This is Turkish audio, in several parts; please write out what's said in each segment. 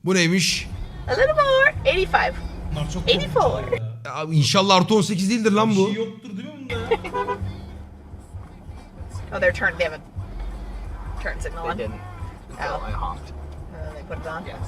Bu neymiş? A little more. 85. Bunlar çok 84. korkunç ya. Ya, İnşallah artı 18 değildir lan Bir bu. şey yoktur değil mi bunda ya? Oh, they're turned. They have a turn signal They on. didn't. Oh. So I honked. They put it on. Yes.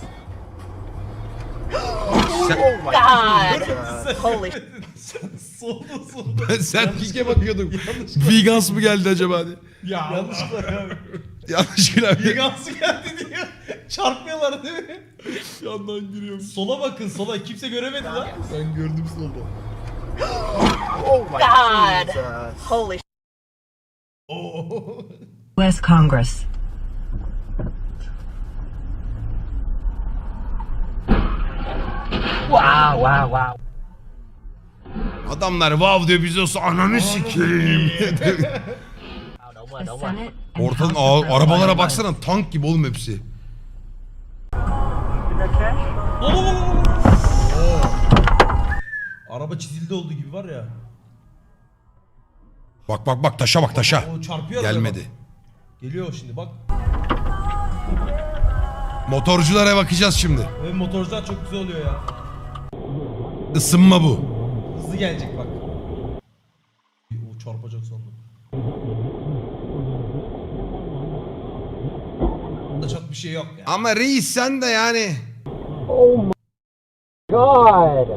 Sen, Oh my God. Jesus. Holy. Solda. sen pike bakıyordun. Vegans mı geldi acaba diye. Ya yanlışlıkla ya. Yanlışlıkla. Vegansı geldi diye. Çarpmıyorlar değil mi? Yandan giriyorum. Sola bakın sola. Kimse göremedi lan. Ben gördüm solda. Oh my God. Jesus. Holy. Oo. U.S. Congress. Wow, wow, wow. Adamlar wow diyor biz olsa ananı sikeyim. Wow, don't The run, don't run. Senate and Ortadan House of arabalara baksana tank gibi oğlum hepsi. Araba çizildi olduğu gibi var ya. Bak bak bak taşa bak taşa. O çarpıyor arabaya Gelmedi. bak. Geliyor şimdi bak. Motorculara bakacağız şimdi. Ve motorcular çok güzel oluyor ya. Isınma bu. Hızlı gelecek bak. O çarpacak sandım. Da çok bir şey yok ya. Ama reis sen de yani. God.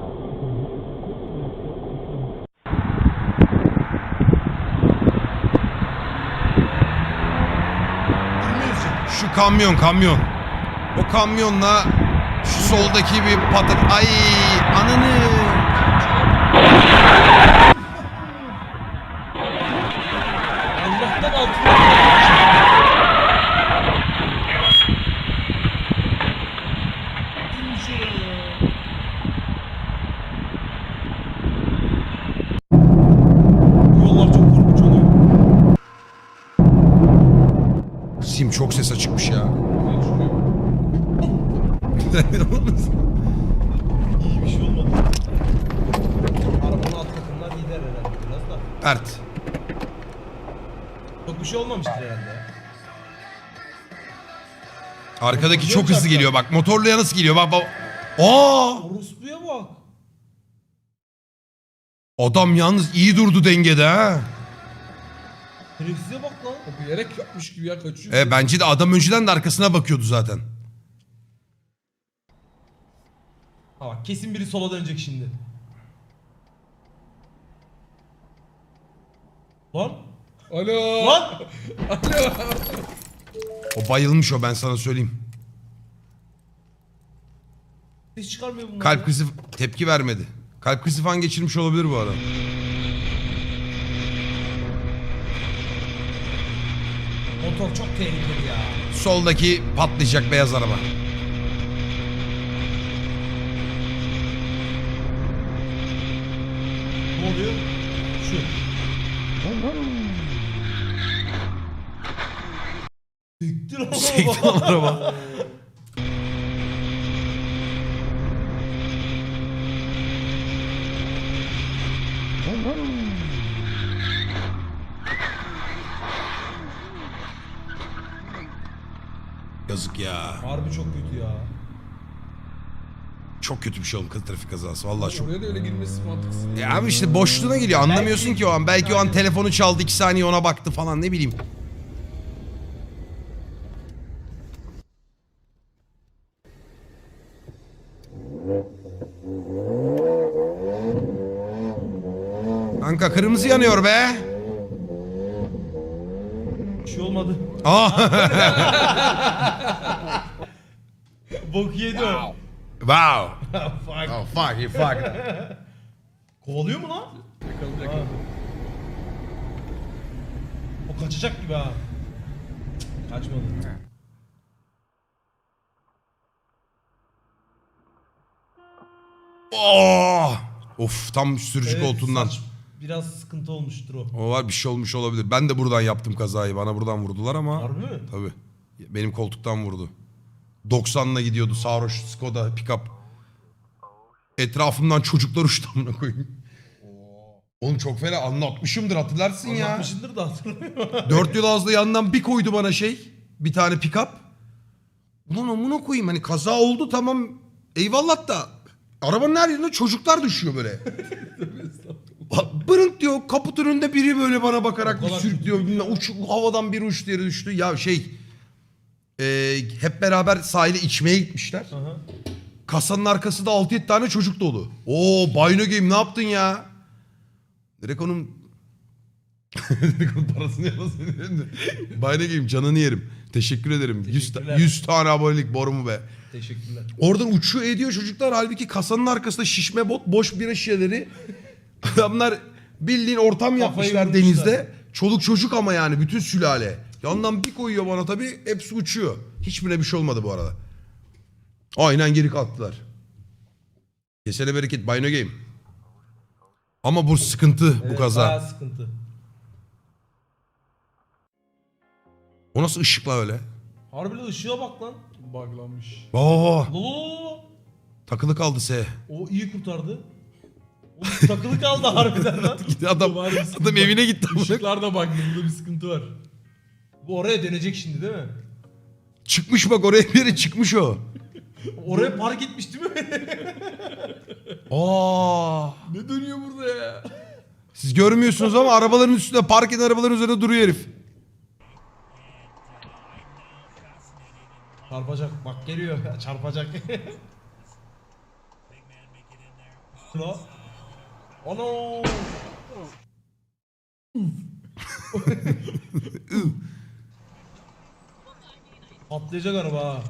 Şu kamyon. O kamyonla şu soldaki bir patat. Ay ananı. Allah'tan altına. Bu yollar çok korkunç oluyor. Sim çok ses açıkmış ya. İyi bir şey olmadı. Arabanın alt takımlar gider herhalde biraz da. Pert. Çok bir şey olmamıştır herhalde. Arkadaki çok hızlı geliyor bak. Motorluya nasıl geliyor bak bak. Aa! Orospu'ya bak. Adam yalnız iyi durdu dengede ha. Şerefsize bak lan. O bilerek yapmış gibi ya kaçıyor. Bence de adam önceden de arkasına bakıyordu zaten. Ha bak kesin biri sola dönecek şimdi. Lan. Alo. Lan. O bayılmış o ben sana söyleyeyim. Ses çıkarmıyor bunlar. Kalp ya. krizi tepki vermedi. Kalp krizi falan geçirmiş olabilir bu arada. Motor çok tehlikeli ya. Soldaki patlayacak beyaz araba. Ne oluyor? Şu. Siktir ama. Sekti lan araba. Yazık ya. Harbi çok kötü ya. Çok kötü bir şey oldu trafik kazası. Vallahi çok. Oraya da öyle girmesi mantıksız. Ya abi işte boşluğuna geliyor. Anlamıyorsun Belki- ki o an. Belki o an telefonu çaldı 2 saniye ona baktı falan ne bileyim. Kanka kırmızı yanıyor be. Bir şey olmadı. Aa. Bok yedi o. Wow. Fuck. Oh fuck you fuck. Kovalıyor mu lan? Yakaladı. O kaçacak gibi ha. Kaçmadı. Oh. Of tam sürücü Evet, koltuğundan. saç biraz sıkıntı olmuştur o. O var bir şey olmuş olabilir. Ben de buradan yaptım kazayı. Bana buradan vurdular ama. Harbi mi? Tabii. Benim koltuktan vurdu. 90'la gidiyordu sarhoş Skoda pick-up. Etrafımdan çocuklar uçtu amına koyayım. Oğlum çok fena anlatmışımdır hatırlarsın ya. Anlatmışındır da hatırlamıyorum. 4 yıl ağızlı yandan bir koydu bana şey. Bir tane pick-up. Ulan amına koyayım hani kaza oldu tamam eyvallah da arabanın her yerine çocuklar düşüyor böyle. Bırınk diyor kaputun önünde biri böyle bana bakarak bir sürüklüyor. Havadan bir uçtu yere düştü. Ya hep beraber sahile içmeye gitmişler. Aha. Kasanın arkası da 6-7 tane çocuk dolu. Oo Bino Game ne yaptın ya? Direkt onun parasını yalasın. Bino Game canını yerim. Teşekkür ederim. 100 tane abonelik borumu be. Teşekkürler. Oradan uçuyor ediyor çocuklar. Halbuki kasanın arkasında şişme boş bira şişeleri. Adamlar bildiğin ortam yapmışlar vurmuşlar. denizde. Çoluk çocuk ama yani bütün sülale. Yandan bir koyuyor bana tabii hepsi uçuyor. Hiçbirine bir şey olmadı bu arada. Aynen geri kalktılar. Kesene bereket Bino Game. Ama bu sıkıntı bu kaza. Bayağı sıkıntı. O nasıl ışıkla öyle? Harbiden ışığa bak lan. Buglanmış. Oo, Lolo. takılı kaldı S. O iyi kurtardı. Oğlum takılı kaldı harbiden lan. Adam, Var bir sıkıntı adam var. evine gitti. Işıklar da buglı. Burada bir sıkıntı var. Bu oraya dönecek şimdi değil mi? Çıkmış bak oraya bir yere çıkmış o. Oraya park etmiş değil mi? Aa. Ne dönüyor burada ya? Siz görmüyorsunuz ama arabaların üstünde park eden arabaların üzerinde duruyor herif. Çarpacak bak geliyor çarpacak. Lo. Ono. Patlayacak araba ha.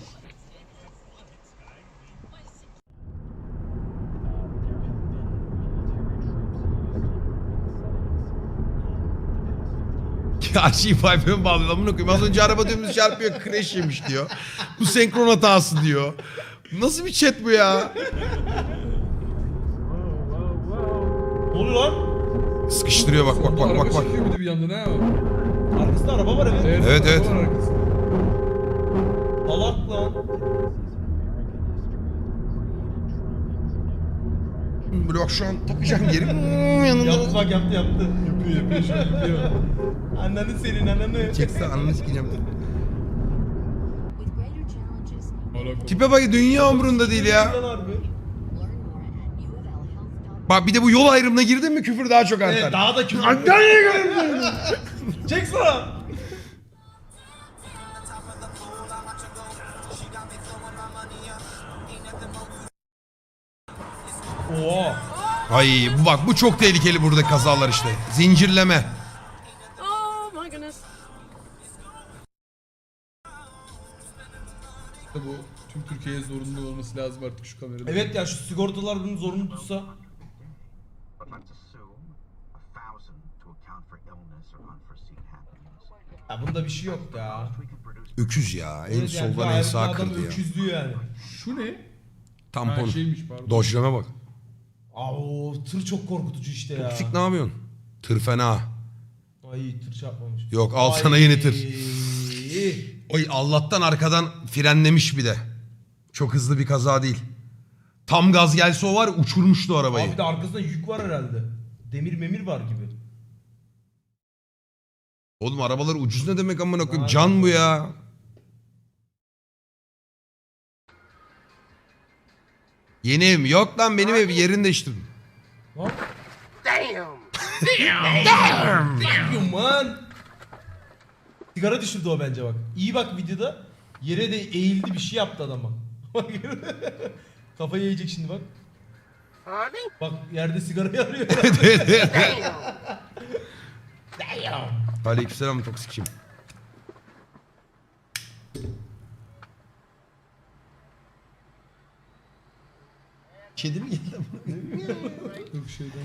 Karşıyı pipe'e mi bağlıyor? Amına koyayım. Az önce araba dümdüz çarpıyor. Crash yemiş diyor. Bu senkron hatası diyor. Nasıl bir chat bu ya? Ne oluyor lan? Sıkıştırıyor bak bak bak Araba bak bak. çekiyor bir de bir yandan ha. Arkasında araba var evet. Evet, evet. araba var arkasında. Salak lan. Böyle bak şu an takacağım geri. Yanında. Yaptı bak yaptı. Yapıyor şu an yapıyor. Ananı senin ananı. Çekse ananı sikeceğim. With greater challenges, Hala Tipe bak dünya umurunda değil ya. Lan harbi. learn more at uvlhealth.com. Bak bir de bu yol ayrımına girdin mi küfür daha çok artar. Evet daha da küfür. Çek sana. Oha. Ay bu bak bu çok tehlikeli burada kazalar işte. Zincirleme. Oh my goodness. bu tüm Türkiye'ye zorunlu olması lazım artık şu kamerada. Evet ya şu sigortalar bunu zorunlu tutsa. But let's assume 1,000 to account for illness or unforeseen happenings. Ya bunda bir şey yok ya. We can produce Öküz ya. En Evet yani soldan en gayet sağ adam kırdı ya. öküzlüğü yani. Şu ne? Tampon. Ha şeymiş pardon. Dojleme bak. Aa tır çok korkutucu işte ya. Toksik ne yapıyorsun? Tır fena. Ay tır çarpmamış. Yok al Ay. sana yeni tır. Oy Allah'tan arkadan frenlemiş bir de. Çok hızlı bir kaza değil. Tam gaz gelse o var ya, uçurmuştu arabayı. Abi bir de arkasında yük var herhalde. Demir memir var gibi. Oğlum arabalar ucuz ne demek amına koyayım? Aynen. Can bu ya. Yeni ev mi? Yok lan benim ev yerini değiştirdim. Lan. Damn man. Sigara düşürdü o bence bak. İyi bak videoda. Yere de eğildi bir şey yaptı adam bak. Bak. Kafayı yiyecek şimdi bak. Bak yerde sigarayı arıyor. Damn. Aleykümselam toksikçim. Kedi mi geldi? Yok şeyden.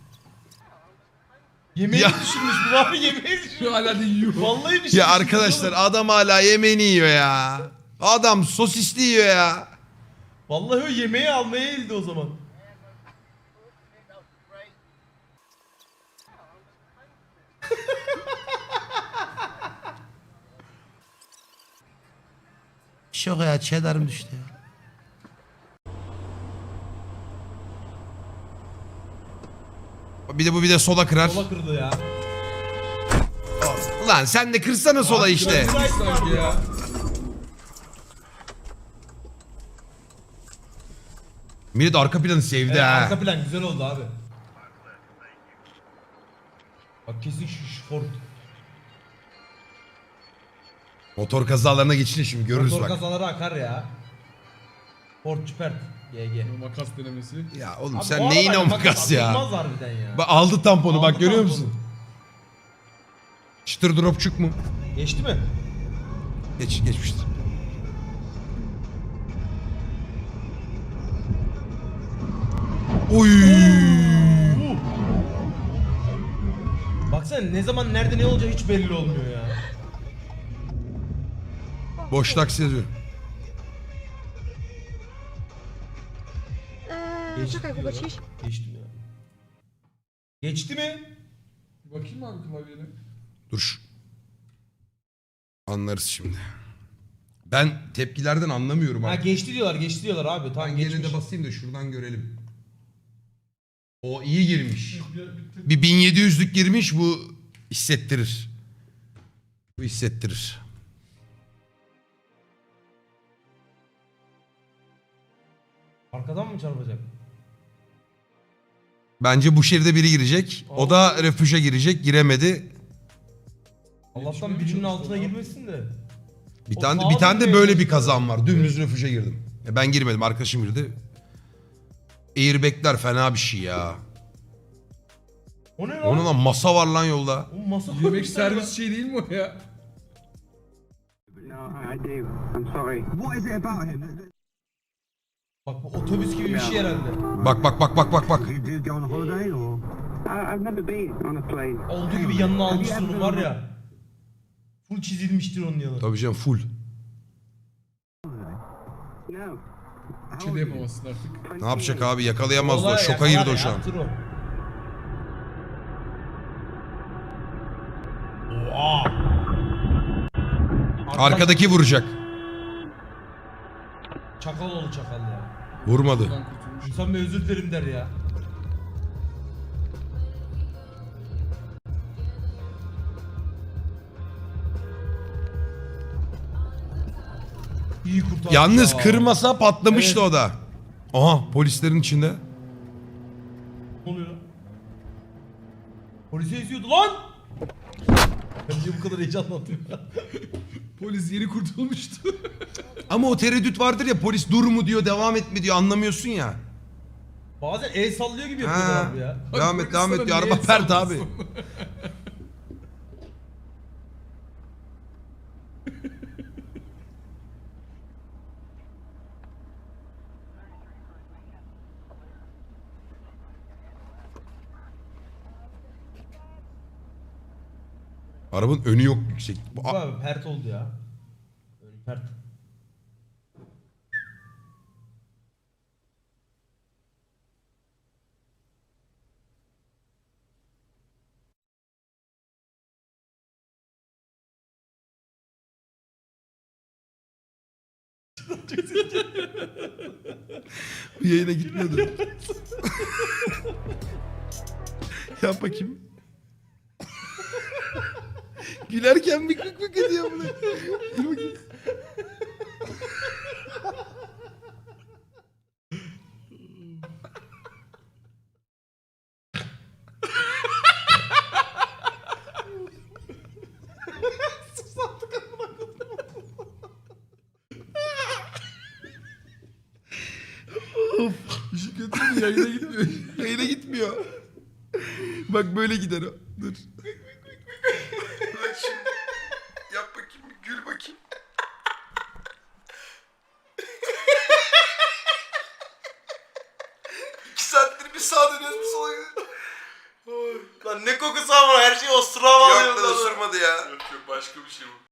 Yemeği Ya. düşürmüş bu abi yemeği düşürmüş. Şu hala da yiyor. Vallahi bir şey Ya düşürmüş arkadaşlar oğlum. adam hala yemeğini yiyor ya. Adam sosisli yiyor ya. Vallahi o yemeği almaya eğildi o zaman. Şok ya cheddar'ım düştü ya. Bir de sola kırar. Sola kırdı ya. Ulan sen de kırsana sola işte. Sanki ya. Millet arka planı sevdi Evet, ha. arka plan güzel oldu abi. Bak kesin şu Ford. Motor kazalarına geçince şimdi görürüz Motor bak. kazaları akar ya. Ford Cupert GG. Makas denemesi. Ya oğlum Abi sen bu neyin o arabayla makas ya? atılmaz harbiden ya. Bak aldı tamponu Aldı bak görüyor tamponu. musun? Çıtır dropçuk mu? Geçti mi? Geçmiştir. Oy! Baksana ne zaman nerede ne olacağı hiç belli olmuyor ya. Boş taksi yazıyor. Geçti Czekaj, diyor Hugo, lan. ciś. Geçti mi? Geçti mi? Bakayım abi klavyene. Dur. Anlarız şimdi. Ben tepkilerden anlamıyorum Ha abi. geçti diyorlar abi. Tamam Ben gene geçmiş. de basayım da şuradan görelim. O iyi girmiş. Bir 1700'lük girmiş bu hissettirir. Bu hissettirir. Arkadan mı çarpacak? Bence bu şeride biri girecek. O da refüje girecek. Giremedi. Allah'tan birinin altına girmesin de. Bir O tane sağa bir tane de dönmeye böyle bir çalışıyor. kazan var. Dümdüz refüje girdim. Ben girmedim. Arkadaşım girdi. Airbag'ler fena bir şey ya. O ne lan? Onun lan masa var lan yolda. O masa Yemek koymuşlar servis ya. şey değil mi o ya? No, I do. I'm sorry. What is it about him? Bak bu otobüs gibi bir şey herhalde. Bak bak bak bak bak bak. You do go on holiday or? I've never been on a plane. Olduğu gibi yanına almıştır onu var ya. Full çizilmiştir onun yanı. Tabii canım full. No. Bir şey de yapamazsın artık. Ne yapacak abi? Yakalayamaz da o. Vallahi Şoka yakalar girdi o ya, şu an. yaptır o. Oha. Arkadaki vuracak. Çakal oğlu çakal ya. Vurmadı. Buradan kurtulmuş. İnsan bir özür dilerim der ya. İyi kurtardı Yalnız ya. kırmasa patlamıştı Evet. o da. Aha polislerin içinde. Ne oluyor lan? Polise eziyordu lan! Ben niye bu kadar heyecanlandım ya? Polis yeni kurtulmuştu. Ama o tereddüt vardır ya polis dur mu diyor devam et mi diyor anlamıyorsun ya. Bazen el sallıyor gibi yapıyorlar Ha. abi ya. Devam et devam et diyor araba pert abi. Arabanın önü yok yüksek. Bu abi pert oldu ya. Önü pert. Bu yayına gitmiyordu. Yap bakayım. Gülerken bir kık kık ediyor bunu. Dur bakayım. İşi kötü mü? Yayına gitmiyor. Yayına gitmiyor. Bak böyle gider o. Dur. Bak şimdi. Yap bakayım. Gül bakayım. İki saattir bir sağa dönüyoruz bir sola gidiyoruz. Lan ne kokusu ama her şey ostura bağlıyor. Yok lan osurmadı ya. Yok başka bir şey bu.